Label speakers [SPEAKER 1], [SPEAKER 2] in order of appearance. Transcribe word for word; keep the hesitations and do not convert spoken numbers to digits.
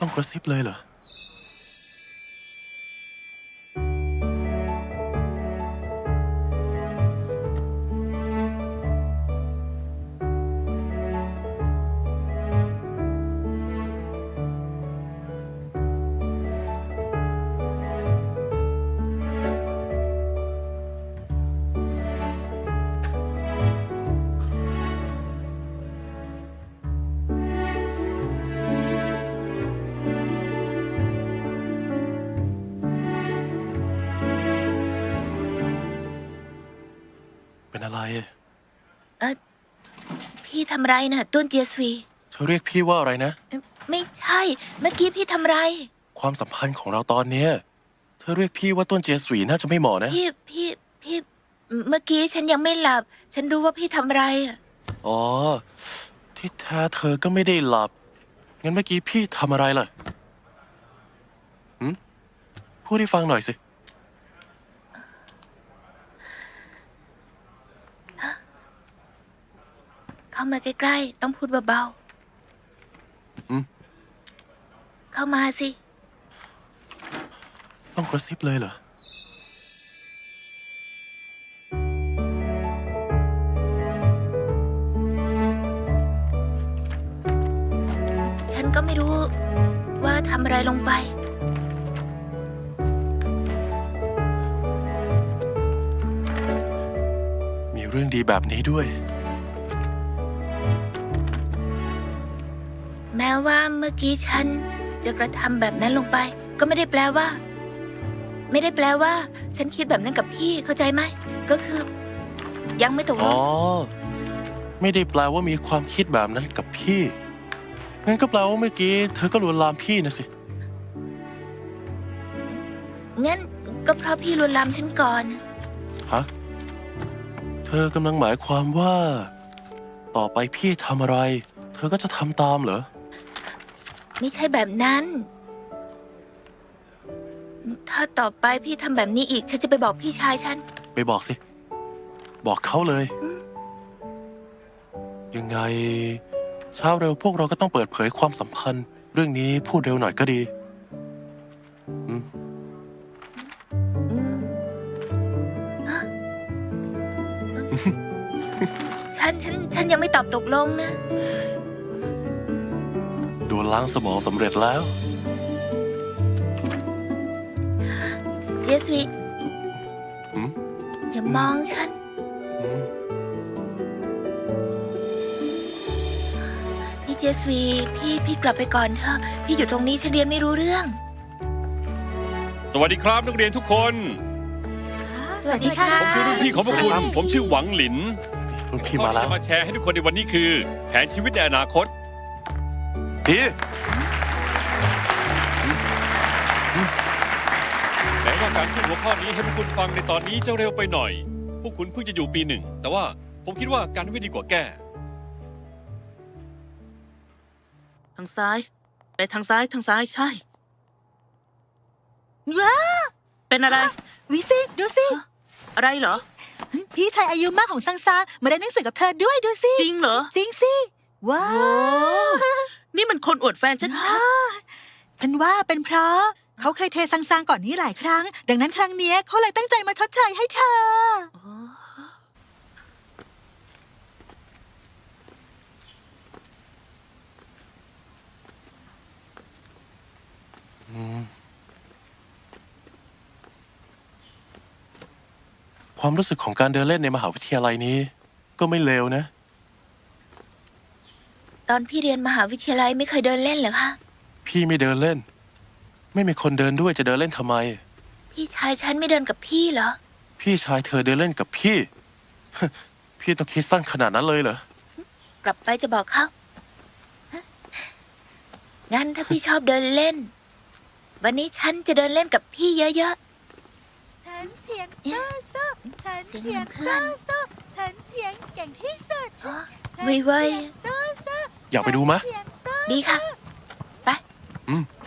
[SPEAKER 1] ต้องกระซิบเลยเหรอเป็นอะไร
[SPEAKER 2] เออพี่ทำไรน่ะต้นเจียสวี
[SPEAKER 1] เธอเรียกพี่ว่าอะไรนะ
[SPEAKER 2] เอ่อไม่ใช่เมื่อกี้พี่ทำไร
[SPEAKER 1] ความสัมพันธ์ของเราตอนเนี้ยเธอเรียกพี่ว่าต้นเจยสวีน่าจะไม่เหมาะนะ
[SPEAKER 2] พี่พี่พี่เมื่อกี้ฉันยังไม่หลับ ฉันรู้ว่าพี่ทำไรอ่ะ
[SPEAKER 1] อ๋อที่แท้เธอก็ไม่ได้หลับงั้นเมื่อกี้พี่ทำอะไรล่ะหืมพูดให้ฟังหน่อยสิ
[SPEAKER 2] เข้ามาใกล้ๆต้องพูดเบา
[SPEAKER 1] อืม
[SPEAKER 2] ๆเข้ามาสิ
[SPEAKER 1] ต้องกระซิบเลยเหรอ
[SPEAKER 2] ฉันก็ไม่รู้ว่าทำอะไรลงไป
[SPEAKER 1] มีเรื่องดีแบบนี้ด้วย
[SPEAKER 2] แม้ว่าเมื่อกี้ฉันจะกระทำแบบนั้นลงไป ก็ไม่ได้แปลว่า ไม่ได้แปลว่า ฉันคิดแบบนั้นกับพี่เข้าใจไหมก็คือ ยังไม่ตกล
[SPEAKER 1] อ๋อง ไม่ได้แปลว่ามีความคิดแบบนั้นกับพี่งั้นก็แปลว่าเมื่อกี้เธอก็ลวนลามพี่นะสิ
[SPEAKER 2] งั้นก็เพราะพี่ลวนลามฉันก่อน
[SPEAKER 1] ฮะเธอกำลังหมายความว่า ต่อไปพี่ทำอะไร เธอก็จะทำตามเหรอ
[SPEAKER 2] ไม่ใช่แบบนั้น ถ้าต่อไปพี่ทำแบบนี้อีกฉันจะไปบอกพี่ชายฉัน
[SPEAKER 1] ไปบอกสิ บอกเขาเลยยังไงเช้าเร็วพวกเราก็ต้องเปิดเผยความสัมพันธ์ เรื่องนี้พูดเร็วหน่อยก็ดีอืม
[SPEAKER 2] อืมฮะฉันฉันฉันยังไม่ตอบตกลงนะ
[SPEAKER 1] โดนล้างสมองสำเร็จแล้ว
[SPEAKER 2] เจสวีอย่ามองฉันพี่เจสวีพี่พี่กลับไปก่อนเถอะพี่อยู่ตรงนี้ฉันเรียนไม่รู้เรื่อง
[SPEAKER 3] สวัสดีครับนักเรียนทุกคน
[SPEAKER 2] สวัสดีค่ะ
[SPEAKER 3] ผมคือรุ่นพี่ของพวกคุณผมชื่อหวังหลิน
[SPEAKER 1] รุ่นพี่มาแล้ว
[SPEAKER 3] จะมาแชร์ให้ทุกคนในวันนี้คือ แผนชีวิตในอนาคต
[SPEAKER 1] พี่
[SPEAKER 3] แม้ว่าการพูดหัวข้อนี้ให้พวกคุณฟังในตอนนี้จะเร็วไปหน่อย พวกคุณเพิ่งจะอยู่ปีหนึ่งแต่ว่าผมคิดว่าการไม่ดีกว่าแก้
[SPEAKER 4] ทางซ้ายไปทางซ้ายทางซ้ายใช่ว้าเป็นอะไร
[SPEAKER 5] วิสิดูสิ
[SPEAKER 4] อะไรเหรอ
[SPEAKER 5] พี่ชายอายุมากของซังซามาได้หนังสือกับเธอด้วยดูสิ
[SPEAKER 4] จริงเหรอ
[SPEAKER 5] จริงสิว้าว
[SPEAKER 4] นี่มันคนอวดแฟนชัด
[SPEAKER 5] ๆฉันว่าเป็นเพราะเขาเคยเทซังซางก่อนนี้หลายครั้งดังนั้นครั้งนี้เขาเลยตั้งใจมาชดเชยให้เธอ
[SPEAKER 1] ความรู้สึกของการเดินเล่นในมหาวิทยาลัยนี้ ก็ไม่เลวนะ
[SPEAKER 2] ตอนพี่เรียนมหาวิทยาลัยไม่เคยเดินเล่นเหรอคะ
[SPEAKER 1] พี่ไม่เดินเล่น ไม่มีคนเดินด้วยจะเดินเล่นทำไม
[SPEAKER 2] พี่ชายฉันไม่เดินกับพี่เหรอ
[SPEAKER 1] พี่ชายเธอเดินเล่นกับพี่ พี่ต้องคิดสั้นขนาดนั้นเลยเหรอก
[SPEAKER 2] ลับไปจะบอกเขางั้นถ้าพี่ชอบเดินเล่น วันนี้ฉันจะเดินเล่นกับพี่เยอะ
[SPEAKER 5] ๆฉันเถียงสู้สู้ฉันเถียงสู้สู้ฉันเถียงเก่งที่สุด
[SPEAKER 2] วิเว้ย
[SPEAKER 1] อยากไปดูมะ
[SPEAKER 2] ดีค่ะไป
[SPEAKER 1] อืม